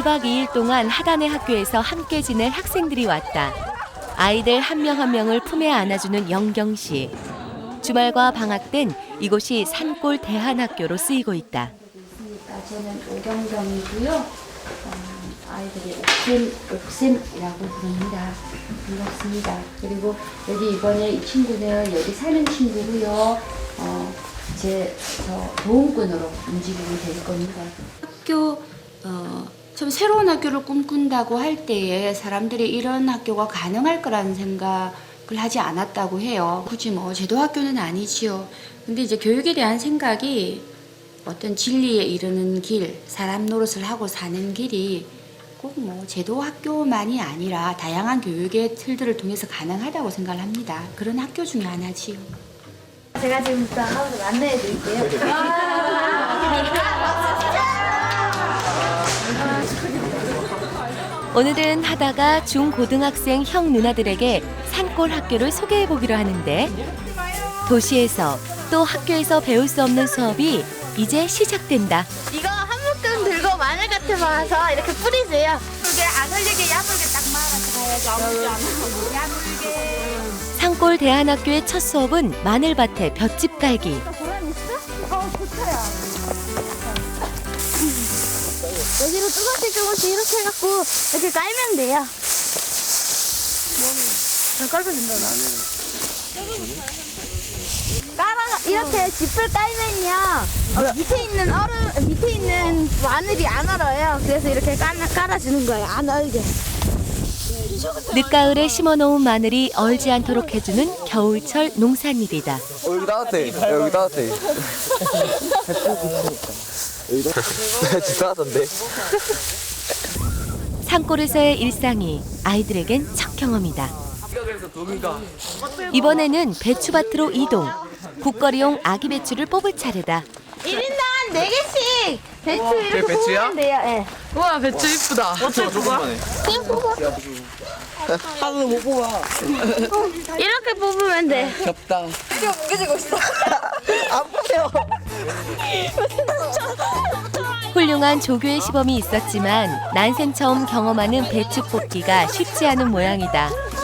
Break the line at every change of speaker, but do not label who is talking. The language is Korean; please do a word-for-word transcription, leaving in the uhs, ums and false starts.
박 이 일 동안 하단의 학교에서 함께 지낼 학생들이 왔다. 아이들 한 명 한 명을 품에 안아주는 영경 씨. 주말과 방학 땐 이곳이 산골 대한학교로 쓰이고 있다.
저는 오경경이고요. 어, 아이들이 옥샘, 옥샘이라고 부릅니다. 반갑습니다. 그리고 여기 이번에 이 친구는 여기 사는 친구고요. 어, 제 저 보험꾼으로 움직이게 될 겁니다. 학교 어, 참 새로운 학교를 꿈꾼다고 할 때에 사람들이 이런 학교가 가능할 거라는 생각을 하지 않았다고 해요. 굳이 뭐 제도 학교는 아니지요. 근데 이제 교육에 대한 생각이 어떤 진리에 이르는 길, 사람 노릇을 하고 사는 길이 꼭 뭐 제도 학교만이 아니라 다양한 교육의 틀들을 통해서 가능하다고 생각을 합니다. 그런 학교 중에 하나지요.
제가 지금부터 하우스 안내해 드릴게요.
오늘은 하다가 중고등학생 형 누나들에게 산골 학교를 소개해 보기로 하는데 도시에서 또 학교에서 배울 수 없는 수업이 이제 시작된다.
이거 한 묶음 들고 마늘 같은 거 와서 이렇게 뿌리세요. 이게 안 흘리게 야물게 딱 말아서 가야지. 아무렇지 않아. 야물게.
산골 대한학교의 첫 수업은 마늘밭에 볏짚 깔기.
보람 있어? 어, 좋다야. 여기로 조금씩 조금씩 이렇게 해갖고 이렇게 깔면 돼요. 저 깔면 된다. 깔아 이렇게 짚을 깔면요 어, 밑에 있는 얼음 밑에 있는 마늘이 안 얼어요. 그래서 이렇게 깔, 깔아주는 거예요. 안 얼게.
늦가을에 심어놓은 마늘이 얼지 않도록 해주는 겨울철 농산일이다.
어, 여기 따뜻해. 여기 따뜻해. 여기 집 따뜻한데?
산골에서의 일상이 아이들에겐 첫 경험이다. 이번에는 배추밭으로 이동. 국거리용 아기 배추를 뽑을 차례다.
일 인당 네 개씩 배추 이렇게
배추야?
뽑으면 돼요. 예.
우와 배추 이쁘다. 어떻게 뽑아?
그냥 뽑아.
하나도 못 뽑아.
이렇게 뽑으면 돼.
겹다.
훌륭한 조교의 시범이 있었지만 난생 처음 경험하는 배추 뽑기가 쉽지 않은 모양이다.